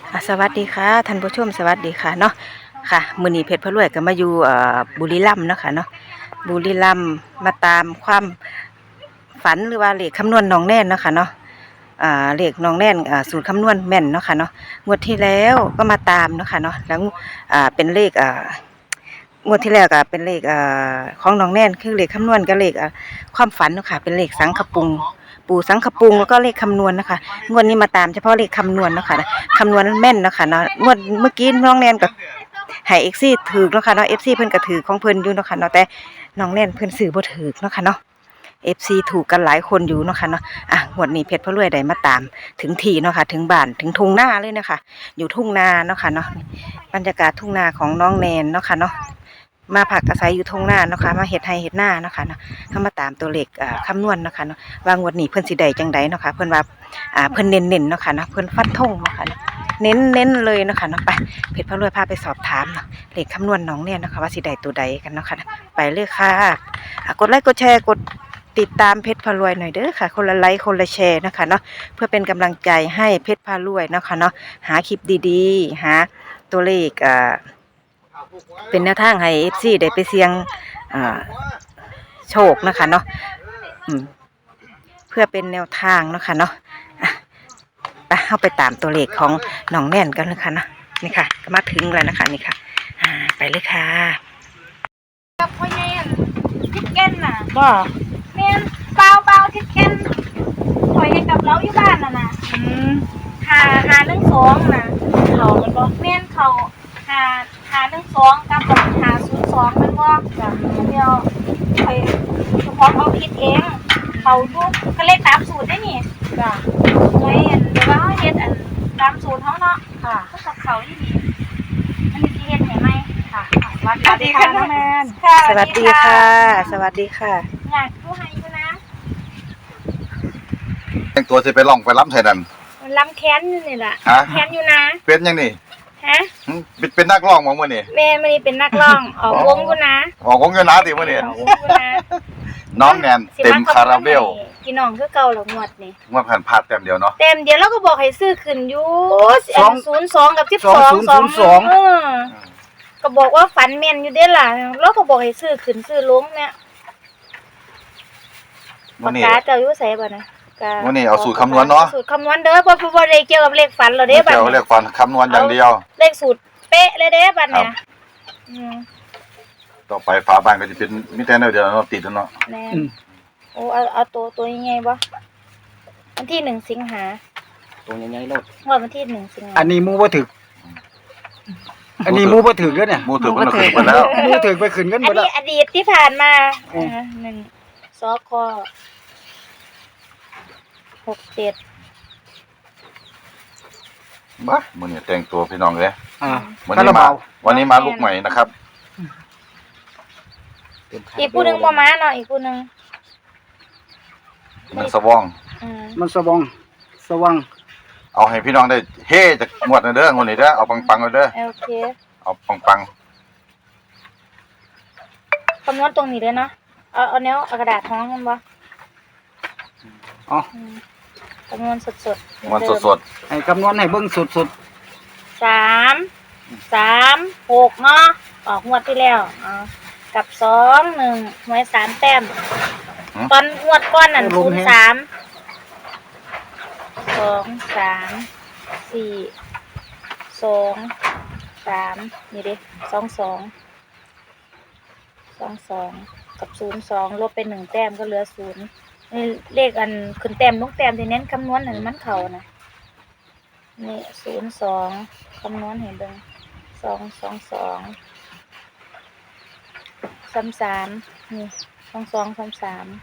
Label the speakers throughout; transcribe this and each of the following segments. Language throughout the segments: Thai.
Speaker 1: สวัสดีค่ะท่านผู้ชมสวัสดีค่ะเนาะค่ะมื้อนี้เพชรพะรวยก็มาอยู่บุรีรัมย์เนาะค่ะเนาะบุรีรัมย์มาตามความฝันหรือว่าเลขคำนวณน้องแน่นเนาะค่ะเนาะเลขน้องแน่นสูตรคำนวณแม่นเนาะค่ะเนาะงวดที่แล้วก็มาตามเนาะค่ะเนาะแล้วเป็นเลขงวดที่แล้วก็เป็นเลขของน้องแน่นคือเลขคำนวณกับเลขความฝันเนาะค่ะเป็นเลขสังขปุงปู่สังขปุงแล้วก็เลขคำนวณนะคะงวดนี้มาตามเฉพาะเลขคำนวณเนาะค่ะคำนวณแม่นเนาะค่ะเนาะงวดเมื่อกี้น้องแนนกับให้เอฟซีถือเนาะค่ะเนาะเอฟซีเพิ่นก็ถือของเพิ่นอยู่เนาะค่ะเนาะแต่น้องแนนเพิ่นซื้อบ่ถือเนาะค่ะเนาะเอฟซีถูกกันหลายคนอยู่เนาะค่ะเนาะงวดนี้เพชรพะรวยได้มาตามถึงที่เนาะค่ะถึงบ้านถึงทุ่งนาเลยนะคะอยู่ทุ่งนาเนาะค่ะเนาะบรรยากาศทุ่งนาของน้องแนนเนาะค่ะเนาะมาผักอาศัยอยู่ทุ่งนาเนาะค่ะมาเฮ็ดไร่เฮ็ดนาเนาะค่ะเนาะเข้ามาตามตัวเลขคำนวณเนาะค่ะเนาะว่างวดนี้เพิ่นสิได้จังไดเนาะค่ะเพิ่นว่าเพิ่นเน้นๆเนาะค่ะเนาะเพิ่นฟันธงเนาะค่ะเน้นเลยเนาะค่ะเนาะไปเพชรพะรวยพาไปสอบถามเนาะเลขคำนวณน้องเนี่ยเนาะค่ะว่าสิได้ตัวใดกันเนาะค่ะไปเลยค่ะกดไลค์กดแชร์กดติดตามเพชรพะรวยหน่อยเด้อค่ะคนละไลค์คนละแชร์นะคะเนาะเพื่อเป็นกำลังใจให้เพชรพะรวยเนาะค่ะเนาะหาคลิปดีๆหาตัวเลขเป็นแนวทางให้ FC ได้ไปเสี่ยงโชคนะคะเนาะเพื่อเป็นแนวทางเนาะค่ะเนาะไปเข้าไปตามตัวเลขของน้องแน่นกันเลยค่ะนะนี่ค่ะก็มาถึงแล้วนะคะนี่ค่ะไปเลยค่ะ
Speaker 2: กับพ่อแม่ทิดเก้นน่ะ
Speaker 1: บ่
Speaker 2: แม่นเปล่าทิดเก้นคอยให้กับเราอยู่บ้านน่ะหาเรื่องสองน่ะ
Speaker 1: เขามันบ่
Speaker 2: แม่นเขาหาเรื่องสองกับหา02มันบ่เดี๋ยวคอยเฉพาะเอาผิดเองเขาดูก็เลขตามสูตรได้นี่
Speaker 1: จ้ะ
Speaker 2: ไว้เดี๋ยวว่าเฮาเฮ็ดตามสูตรเฮาเนาะ
Speaker 1: ค่ะ
Speaker 2: ก็กับเขาที่นี่อันนี้สิเฮ็ดให้ไหมค่ะ
Speaker 1: สวัสดีค่ะน้องแมนสวัสดีค่ะสวัสดีค่ะ
Speaker 2: อยากดูให้อยู่นะ
Speaker 3: แต่งตัวจะไปล่องไปล้ำไทยนั่น
Speaker 2: ล้ำแค้นนี่แหละแค้นอยู่นะ
Speaker 3: เป็นยังนี่
Speaker 2: ฮะ
Speaker 3: เป็นนักร้องมั้งมื่อนี่
Speaker 2: แม่มันนี่เป็นนักร้องออกวงกูนะ
Speaker 3: ออกวงเงินนะติมื่อนี่
Speaker 2: ออกวงกูนะ
Speaker 3: น้องแนนเต็มคาราเบล
Speaker 2: พี่น้องคือเก่าหรอกงวดนี่
Speaker 3: งวดผ่านพลาดเต็มเดียวเนาะ
Speaker 2: เต็มเดียวแล้วก็บอกให้ซื้อขึ้นอยู่02กับ12ก็บอกว่าฝันแม่นอยู่เด้ล่ะแล้วก็บอกให้ซื้อขึ้นซื้อลงเนี่ยปากกาเจ้าอยู่ไสบ่นะ
Speaker 3: วันนี้เอาสูตรคำนวณเนาะ
Speaker 2: สูตรคำนวณเด้อบ่ได้เกี่ยวกับเลขฝันหรอกเด้บัด
Speaker 3: เกี่ยวกับเลขฝันคำนวณอย่างเดียว
Speaker 2: เลขสูตรเป๊ะเลยเด้บัดเนี่ย
Speaker 3: ต่อไปฝาบ้านก็จะเป็นมิแต่เดียวเนาะติดแล้วเนาะ
Speaker 2: แน่โอ้เอาตัวยังไงบ่วันที่1สิงหา
Speaker 1: ตัวยังไงโลด
Speaker 2: วันที่1สิงหา
Speaker 4: อันนี้มูบ่ถึกอันนี้มูบ่ถึกแล้วเนี่ย
Speaker 3: มูถึกมันขึ้นไปแล้ว
Speaker 4: มูถึกไปขึ้นกันหมดแล้ว
Speaker 2: อดีตที่ผ่านมา1สค67
Speaker 3: บ้ามื้อนี้แต่งตัวพี่น้องเลยวันนี้มาลูกใหม่นะครับ
Speaker 2: อีกผู้นึงบ่มาเนาะอีกผู้นึง
Speaker 3: มันสว่าง
Speaker 4: มันสว่าง
Speaker 3: เอาให้พี่น้องได้เฮ่จากงวดเด้องวดนี้เด้อเอาปังๆเด้อ
Speaker 2: โอเค
Speaker 3: เอาปัง
Speaker 2: คำนวณตรงนี้เลยเนาะเอาแนวกระดาษท้องกันบ่
Speaker 4: อ๋อ
Speaker 2: คำนวณสด
Speaker 4: ให้คำนวณให้เบิ่งสด
Speaker 2: 336เนาะออกงวดที่แล้วกับ21หวย3แต้มตอนงวดก้อนนั่น03 2 3 4 2 3นี่ดิ22กับ02ลบไป1แต้มก็เหลือ0นี่เลขอันขึ้นแต้มลงแต้มที่เน้นคำนวณนั่นมันเข้านะนี่02คำนวณให้เบิ่ง222 33นี่22 33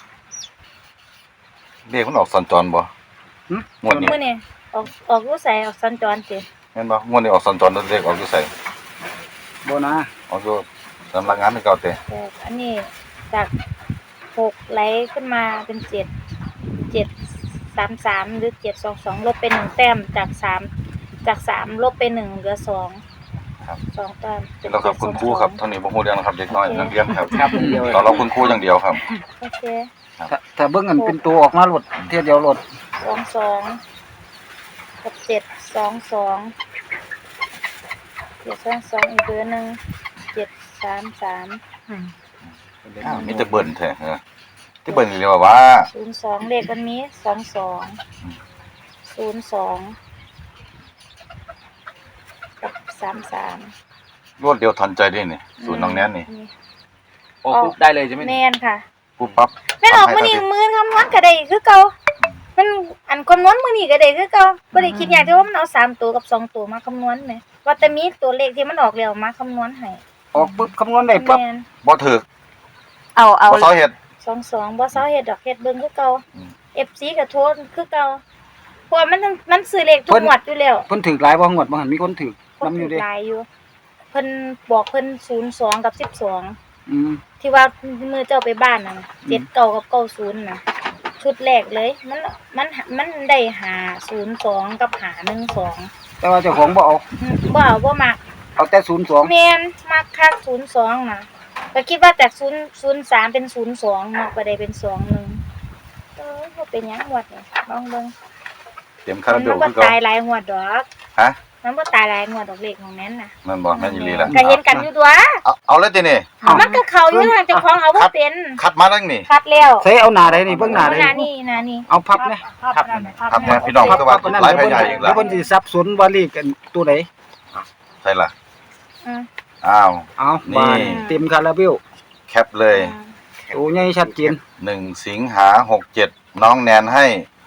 Speaker 3: เลขมันออกสัญจรบ่งวดนี้
Speaker 2: มื้อนี้ออกรู้ใส่ออกสัญจรสิ
Speaker 3: แม่นบ่งวดนี้ออกสัญจรเลขออกอยู่ไส
Speaker 4: บ่นะ
Speaker 3: ออกอยู่สำนักงานที่เก่าเต
Speaker 2: อันนี้จาก6ไหลขึ้นมาเป็น733หรือ722ลบไป1แต้มจาก3ลบไป1เหลือ2
Speaker 3: ครับ
Speaker 2: 2แต้ม
Speaker 3: แล้วครับคุณครูครับเท่านี้บ่ฮู้เรื่องนะครับเด็กน้อยนักเรียนครับเราคุณครูอย่างเดียวครับ
Speaker 2: โอเค
Speaker 4: ถ้าเบิ่งกันเป็นตัวออกมาโลดเทียเดียวโลด
Speaker 2: 22 กับ722อีกเบอร์หนึ่ง733
Speaker 3: อ้าวมีแต่เบิ่นแท้ฮะที่เบิ่นเรียกว่า
Speaker 2: 02เลขมันมี22 02กับ33
Speaker 3: รวดเดียวทันใจได้นี่ศูนย์น้องแนนนี่
Speaker 4: โอ้ปุ๊บได้เลยใช่ไหม
Speaker 2: แม่นค่ะ
Speaker 3: ปุ๊บปั๊บ
Speaker 2: แม่นออกมื้อนี้มื้อคำนวณก็ได้คือเก่ามันอันคำนวณมื้อนี้ก็ได้คือเก่าบ่ได้คิดยากที่ว่ามันเอา3ตัวกับ2ตัวมาคำนวณแหมว่าแต่มีตัวเลขที่มันออกแล้วมาคำนวณให้
Speaker 4: ออกปุ๊บคำนวณได้ปั๊บ
Speaker 2: แม่น
Speaker 3: บ่ถูก
Speaker 1: เอา
Speaker 3: บ่เซาเฮ็ด
Speaker 2: 22บ่เซาเฮ็ดดอกเฮ็ดเบิ่งคือเก่า
Speaker 3: อืม
Speaker 2: FC ก็โทษคือเก่าเพราะว่ามันซื้อเลขทุกงวดอยู่แล้ว
Speaker 4: เพิ่นถือหลายบ่งวดบ่หันมีคนถือ
Speaker 2: คน
Speaker 4: นำอ
Speaker 2: ถู
Speaker 4: ยู่
Speaker 2: ก
Speaker 4: เด้
Speaker 2: หลายอยู่เพิ่นบอกเพิ่น02กับ12
Speaker 4: อืม
Speaker 2: ที่ว่ามือเจ้าไปบ้านน่ะ79กับ90น่ะชุดแรกเลยมันได้502กับ512
Speaker 4: แต่ว่าเจ้าของบ่เอา
Speaker 2: บ่เอาบ่มัก
Speaker 4: เอาแต่02
Speaker 2: แม่นมักคัก02น่ะก็คิดว่าจาก03เป็น02เนาะก็ได้เป็น21บ่เป็นหยังงวดนี่ลองเบิ่ง
Speaker 3: เต็มคารา
Speaker 2: มัน
Speaker 3: เบล
Speaker 2: บ่
Speaker 3: คือเก่า
Speaker 2: ตายหลายงวดดอก
Speaker 3: ฮะ
Speaker 2: มันบ่ตายหลายงวดดอกเลขของแม่นน่ะ
Speaker 3: นั่นบ่แม่นอีหลีล่ะ
Speaker 2: ก็เห็นกันอยู่ตัว
Speaker 3: เอาเลยตินี่
Speaker 2: มันก็เข้าอยู่ทางเจ้าของเอาบ่เป็น
Speaker 3: คัดมาทั้งนี่
Speaker 2: คัดแล้ว
Speaker 4: ใส่เอาหน้าได้นี่เบิ่งหน้าได้
Speaker 2: หน้านี่หน้านี่
Speaker 4: เอาพับนะ
Speaker 3: ครับแม่พี่น้องคือว่าหลายพยาอีก
Speaker 4: แล้
Speaker 3: ล่ะ
Speaker 4: วเพิ่นสิสับสนว่าเลขกันตัวใด
Speaker 3: ใช่ล่ะ
Speaker 2: อืม
Speaker 3: อ้าว
Speaker 4: เอา
Speaker 3: นี่
Speaker 4: บานเต็มคาราเบล
Speaker 3: แคปเลย
Speaker 4: ตัวใหญ่ชัดเจน
Speaker 3: 1 สิงหา67น้องแนนให้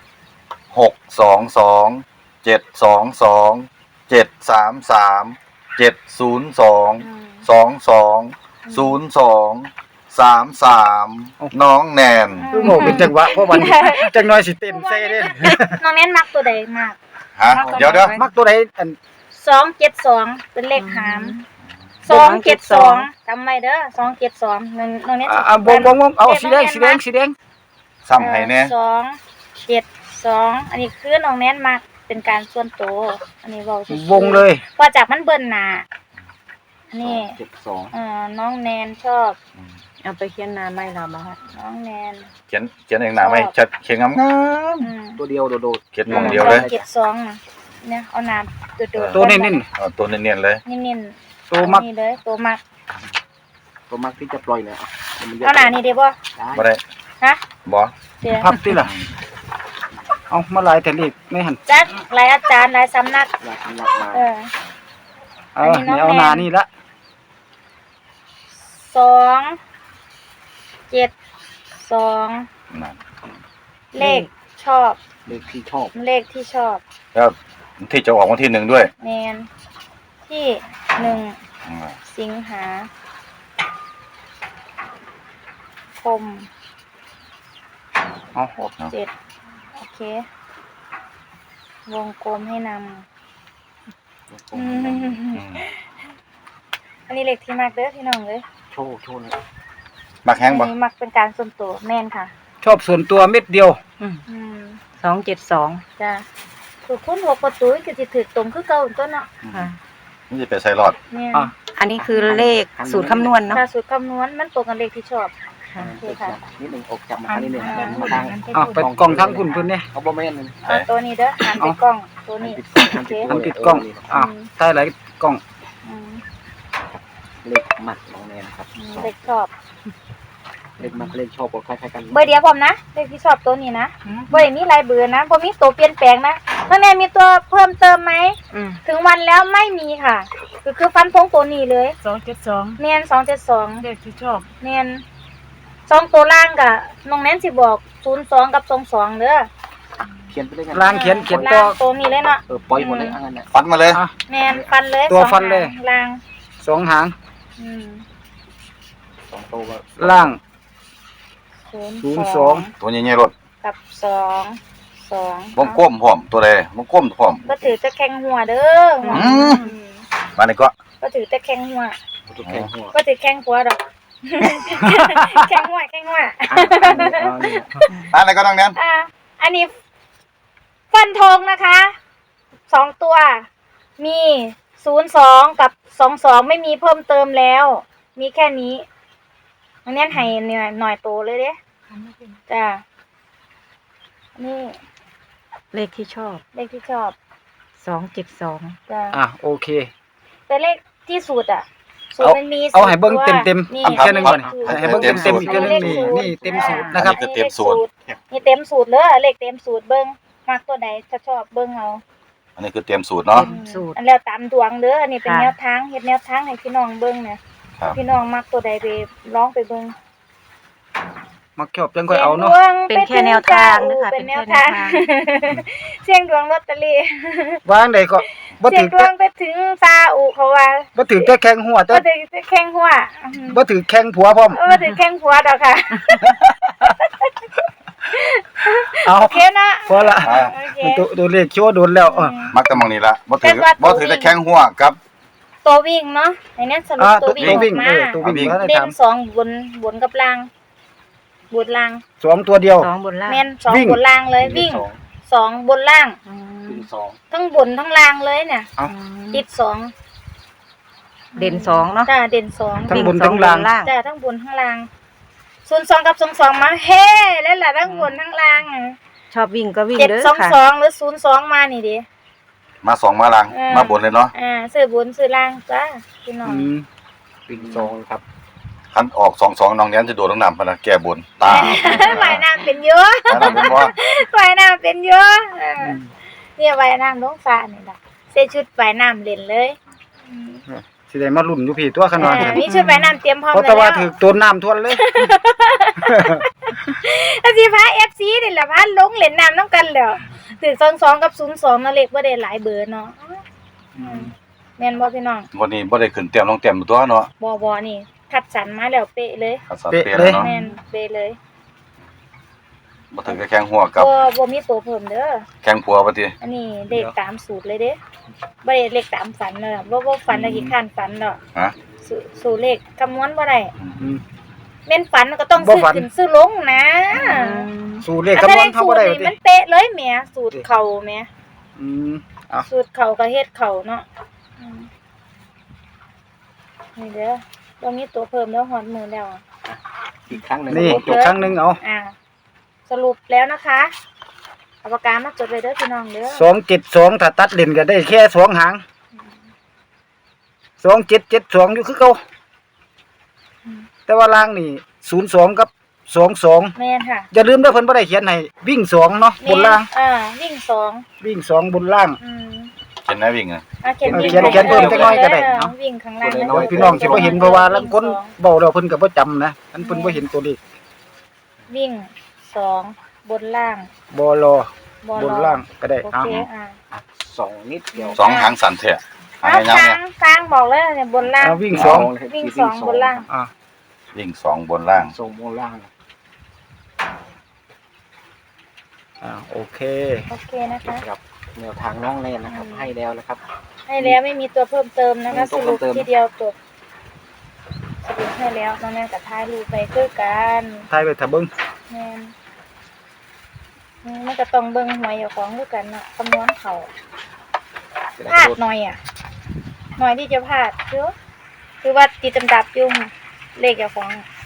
Speaker 3: 622 722 733 702 22 02 33น้องแนน
Speaker 4: คือโง่เป็นจังหวะเพราะวันจังน้อยสิเต้นใส่เด้
Speaker 2: น้องแน่นมักตัวใดมาก
Speaker 3: ฮะเดี๋ยว
Speaker 4: มักตัวใดอัน
Speaker 2: 272เป็นเลขหาม272จำไว้เด้อ272น้องแน่น
Speaker 4: บ่เอาสีแดง
Speaker 3: ซ้ำให้แน่
Speaker 2: 272อันนี้คือน้องแน่นมักเป็นการส่วนตัวอันนี้เว้าซื่อๆ
Speaker 4: วงเลย
Speaker 2: พอจากมันเบิ่นหน้านี่
Speaker 4: 72
Speaker 2: น้องแนนชอบ
Speaker 1: เอาไปเขียนหน้าไม่ล่ะบ่ฮะ
Speaker 2: น้องแนน
Speaker 3: เขียนเองหน้าไหมชัดเขียนงาม
Speaker 2: อืม
Speaker 4: ตัวเดียวโดด
Speaker 3: ๆเขียนมองเดียวเลย
Speaker 2: 272น่ะเนี่ยเอาน้ำโดดๆ
Speaker 4: ตัวเน้น
Speaker 3: เอาตัวเนียนๆเลย
Speaker 2: เน้นๆ
Speaker 4: ตัวมัก
Speaker 2: นี่เลยตัวมัก
Speaker 4: ๆตัวมักที่จะปล่อยเลย
Speaker 2: เอาหน้านี่ได้บ่
Speaker 3: บ่ได้
Speaker 2: ฮะ
Speaker 3: บ่
Speaker 2: เดี๋ยว
Speaker 4: พับติล่ะเอามาหลายแต่เลขไม่หัน
Speaker 2: จักหลายอาจารย์หลายสำนัก เออ
Speaker 4: นี่เอาหน้านี่ละ
Speaker 2: 2 7 2
Speaker 3: นั่น
Speaker 2: เลขชอบ
Speaker 4: เลขที่ชอบ
Speaker 2: เลขที่ชอบ
Speaker 3: แล้วที่จะออกวันที่1ด้วย
Speaker 2: แมนที่1
Speaker 3: อืม
Speaker 2: สิงหาคม
Speaker 4: เอา
Speaker 2: 7โอเค วงกลมให้นำ
Speaker 3: อืม
Speaker 2: อันนี้เลขที่มักเด้อพี่น้องเลย
Speaker 4: โชว์เลย
Speaker 3: มักแห้งบ่
Speaker 2: อันนี้มักเป็นการส่วนตัวแม่นค่ะ
Speaker 4: ชอบส่วนตัวเม็ดเดียว
Speaker 2: อืม
Speaker 1: 272
Speaker 2: จ้ะถูกคุณหัวประตูก็สิถูกตรงคือเก่าต้นเนาะ
Speaker 1: ค่ะ
Speaker 3: นี่จะไปใส่รอด
Speaker 2: เนี่ย
Speaker 4: อ่ะ
Speaker 1: อันนี้คือเลขสูตรคำนวณเนาะ
Speaker 2: ถ้าสูตรคำนวณมันตรงกับเลขที่ชอบ
Speaker 1: ค่ะ
Speaker 2: โอเคค่ะ
Speaker 4: นิดนึงออกจากมานิดนึง
Speaker 2: มาทาง
Speaker 4: เอาไปกล่องทั้งคุณเพิ่นเนี่ยเอาบ่แม่น
Speaker 2: เอาตัวนี้เด้อหันไปกล้องตัวนี้โอเค
Speaker 4: มันติดกล้องอ้าวใต้หลายกล้อง
Speaker 2: อืม
Speaker 5: เลขหมัดน้องแนนครับ
Speaker 2: เลขชอบ
Speaker 5: เลขหมัดเลขชอบก็คล้ายๆกัน
Speaker 2: เบอร์เดียวผมนะเลขที่ชอบตัวนี้นะบ่ได้มีหลายเบอร์นะบ่มีตัวเปลี่ยนแปลงนะน้องแนนมีตัวเพิ่มเติมไหม
Speaker 1: อืม
Speaker 2: ถึงวันแล้วไม่มีค่ะคือฟันธงตัวนี้เลย
Speaker 6: 272
Speaker 2: เนียน272
Speaker 6: เลขที่ชอบ
Speaker 2: เนียน2ตัวล่างกะน้องแนนสิบอก02กับ22เด้อ
Speaker 5: เขียนไปเลยกัน
Speaker 4: ล่างเขียนต่อ
Speaker 2: ล่างตัวนี้เลยเนาะ
Speaker 5: ปล่อยหมดเลยอันนั้นน่ะ
Speaker 3: ฟันมาเลย
Speaker 4: อ่ะ
Speaker 2: แม่นฟันเลย
Speaker 4: ตัว
Speaker 2: สอง
Speaker 4: ฟันเลย
Speaker 2: หางล่าง
Speaker 4: 2หาง
Speaker 2: อืม
Speaker 5: สองตัวก็
Speaker 4: ล่าง
Speaker 2: 02
Speaker 3: ตัวใหญ่ๆรถ
Speaker 2: กับ2
Speaker 3: วงกลมพร้อมตัวใดวงกลมพร้อม
Speaker 2: บ่ถือจะแข่งหัวเด้อหัว
Speaker 3: อืม มานี่ก็
Speaker 2: บ่ถือจะแข่งหัว
Speaker 5: ตัวแข็งหัว
Speaker 2: บ่ถือแข่งหัวดอก แข่งหัวแข่งหัว
Speaker 3: อะไรก็ต้องแนน
Speaker 2: อันนี้ฟันธงนะคะ2ตัว มี02กับ22ไม่มีเพิ่มเติมแล้ว มีแค่นี้อันนี้ให้หน่อยโตเลยเด้จ้านี่
Speaker 1: เลขที่ชอบ
Speaker 2: เลขที่ชอบ
Speaker 3: อ
Speaker 1: 272
Speaker 2: จ้ะ
Speaker 4: โอเค
Speaker 2: แต่เลขที่สูตรอ่ะสูตรมันมี
Speaker 4: เอาให้เบิ่ง
Speaker 2: ตัว
Speaker 4: เต็ม
Speaker 2: นี่
Speaker 4: อีกเทื่อนึงก่อน
Speaker 2: อั
Speaker 4: ให้เบิ่งเต็มอีกเทื่อนึงนี่เต็มสูตรนะครับ
Speaker 3: อันนี้คือเต็มสูตร
Speaker 2: นี่เต็มสูตรเลยเลขเต็มสูตรเบิ่งมักตัวใดถ้าชอบเบิ่งเอา
Speaker 3: อันนี้คือเตรียมสูตรเนาะ
Speaker 1: เต็มสูตร
Speaker 2: อันแล้วตามดวงเด้ออันนี้เป็น
Speaker 1: ค่ะ
Speaker 2: แนวทางเฮ็ดแนวทางให้พี่น้องเบิ่งเนี่ย
Speaker 3: ครับ
Speaker 2: พี่น้องมักตัวใดไปร้องไปเบิ่ง
Speaker 4: มักชอบจังค่อยเอาเนาะ
Speaker 1: เป็นแค่แนวทางนะคะ
Speaker 2: เป็นแนว
Speaker 1: เป็นแค่
Speaker 2: ทาง
Speaker 1: แนวทาง
Speaker 2: เสียงดวงลอตเตอรี่
Speaker 4: วางได้ก็บ่
Speaker 2: เสีย
Speaker 4: ถื
Speaker 2: ง
Speaker 4: อ
Speaker 2: ดวงไปถึงซาอุเขาว่า
Speaker 4: บ่ถือแต่แข้งหัวแต่
Speaker 2: บ่ถึงแข้งหัว
Speaker 4: บ่ถือแข้งผัวพร้อม
Speaker 2: บ่ถึงแข้งหัวดอกค่ะ
Speaker 4: เอา
Speaker 2: โอเคนะ
Speaker 4: พอละ
Speaker 3: อ่า
Speaker 2: โอเค
Speaker 4: ตัวเลขชัวร์โดนแล้ว
Speaker 3: มักแต่มองนี่ละบ่ถือ
Speaker 2: แต่ว่า
Speaker 3: บ่ถือแต่แข้งหัวกับ
Speaker 2: ตัววิ่งเนาะไอ้เนี่ยสรุปตัววิ่งออกมา
Speaker 4: ตัววิ่งแล้วได้
Speaker 2: เด่
Speaker 4: ถาน ม
Speaker 2: สองบนกับล่างบนล่าง
Speaker 4: 2ตัวเดียว
Speaker 1: 2บนล่าง
Speaker 2: แม่นสอง
Speaker 4: วิ่ง
Speaker 2: บนล่างเลยวิ่ง
Speaker 5: สอง
Speaker 2: สองบนล่าง
Speaker 1: อืม
Speaker 5: วิ่งสอง
Speaker 2: ทั้งบนทั้งล่างเลยเนี่ย
Speaker 4: เอา
Speaker 2: ติดสอง
Speaker 1: เด่น2เนาะ
Speaker 2: จ้าเด่นสอง
Speaker 4: ทั้ง
Speaker 1: วิ่
Speaker 4: บนทั้งล่าง
Speaker 1: ล่าง
Speaker 2: จ้าทั้งบนทั้งล่าง02กับ22มาเฮ้แล้วล่ะทั้งบนทั้งล่างอะ
Speaker 1: ชอบวิ่งก็วิ่งเด้อค่ะ
Speaker 2: 722หรือ02มานี่ดิ
Speaker 3: มาสองมาลัง
Speaker 2: เออ
Speaker 3: มาบนเลยเนาะ
Speaker 2: ซื้อบนซื้อล่างจ้าพี่น้อง
Speaker 5: วิ่งสองครับ
Speaker 3: คันออก2-2น้องแนนจะโดดลงน้ำพะนะแก้บนตา
Speaker 2: ว่ายน้ำเป็นเยอะ
Speaker 3: อันนั้นเป็นว่า
Speaker 2: ว่ายน้ำเป็นเยอะเนี่ยว่ายน้ำลงฟ้านี่ล่ะใส่ชุดว่ายน้ำเล่นเลยอืม
Speaker 4: สิได้มาลุ้นอยู่พี่ตัวขนาด
Speaker 2: มีชุดว่ายน้ำเตรียมพร้อม
Speaker 4: เพราะ
Speaker 2: แล้
Speaker 4: แต่
Speaker 2: ว
Speaker 4: ว่าถือตัวน้ำท่วมเลย
Speaker 2: อาสิพา FC นี่ล่ะพาลงเล่นน้ำนำกันแล้วถือ22กับ02นั่นเลขบ่ได้หลายเบอร์เนาะแม่นบ่พี่น้อง
Speaker 3: วันนี้บ่ได้ขึ้นเตรียมลงเตรียมตัวเนาะ
Speaker 2: บ่นี่คัดสรรมาแล้วเป๊ะเลย
Speaker 3: คัดสรรเปลี่ยนแล้วเนาะ
Speaker 2: แม่นเป๊ะเลย
Speaker 3: บ่ถือแต่แข้งหัวกับ
Speaker 2: บ่มีตัวเพิ่มเด้อ
Speaker 3: แข้งผัวบ่ติ
Speaker 2: อันนี้เลขตามสูตรเลยเด้บ่ได้เลขตามฝันเด้อบ่ฝันแล้วกี่ขั้นฝันดอก
Speaker 3: ฮะ
Speaker 2: สูตรเลขคำนวณบ่ได้
Speaker 4: อืม
Speaker 2: แม่นฝันก็ต้อง
Speaker 4: บ่
Speaker 2: ซื้อ
Speaker 4: ฝัน
Speaker 2: ขึ้นซื้อลงนะ
Speaker 4: สูตรเลขคำนวณเขาบ่ได้
Speaker 2: อัน
Speaker 4: ติ
Speaker 2: มันเป๊ะเลยแหมสูตรเข่าแหม
Speaker 4: อืมเอา
Speaker 2: สูตรเข่าก็เฮ็ดเข่าเนาะอืมนี่เด้อบ่มีตัวเพิ่มแล้วฮอดมือแล้วอะ
Speaker 5: อีกครั้งหนึ่ง
Speaker 4: นี่
Speaker 5: ครับ
Speaker 4: อีกครั้งหนึงเอา
Speaker 2: สรุปแล้วนะคะเอาปากกามาจดเลยเด้อพี่น้องเด้อ
Speaker 4: 272ถ้าตัดเล่นก็ได้แค่2หาง2772อยู่คือเก่าแต่ว่าล่างนี่02กับ22
Speaker 2: แม่นค่ะ
Speaker 4: อย่าลืมเด้อเพิ่นบ่ได้เขียนให้วิ่ง2เนาะบนล่าง
Speaker 2: วิ่งสอง
Speaker 4: วิ่ง2บนล่าง
Speaker 3: เห็นไหมวิ่งอ่ะ
Speaker 2: เขียนวิ่ง
Speaker 4: เขียนเขียนเพิ่มจักหน่อยก็ได้เนาะ
Speaker 2: วิ่งข้างล่าง
Speaker 4: พี่น้องสิบ่เห็นเพราะว่าลางคนเว้าแล้วเพิ่นก็บ่จำนะอันเพิ่นบ่เห็นตัวเลข
Speaker 2: วิ่งสองบนล่าง
Speaker 4: บ่รอบ
Speaker 2: อ
Speaker 4: บนล่างก็ได้
Speaker 2: โอ
Speaker 4: เอา
Speaker 2: เค
Speaker 5: สองนิดเดียว
Speaker 3: สองหางสั่นแท้หาง
Speaker 2: เอา
Speaker 3: ยาว
Speaker 2: ทา
Speaker 3: เนี่
Speaker 2: ง
Speaker 3: ย
Speaker 2: ทางบอกเลยเนี่ยบนล่าง
Speaker 4: เอาวิ่ง
Speaker 5: สอง
Speaker 4: 2
Speaker 5: เลย
Speaker 2: วิ่งสองบนล่าง
Speaker 4: อ่า
Speaker 3: วิ่ง2บนล่าง
Speaker 5: สองบนล่าง
Speaker 4: โอเค
Speaker 2: โอเคนะคะ
Speaker 5: ครับแนวทางน้องแนนนะครับ ให้แล้วนะครับ
Speaker 2: ให้แล้วไม่มีตัวเพิ่มเติมนะคะ
Speaker 5: ไม่
Speaker 2: ส
Speaker 5: มีตัว
Speaker 2: รุป
Speaker 5: เพิ่มเติม
Speaker 2: ทีเดียวจบสรุปให้แล้วน้องแม่กับท้ายรูปไปคือกัน
Speaker 4: ทายไปถ้าเบิ่ง
Speaker 2: แม่นมันก็ต้องเบิ่งหวยอยู่ของคือกันเนาะคำนวณเขาพลาดหน่อยหน่อยที่จะพลาดคือว่าติดอันดับอยู่เลขเจ้าของ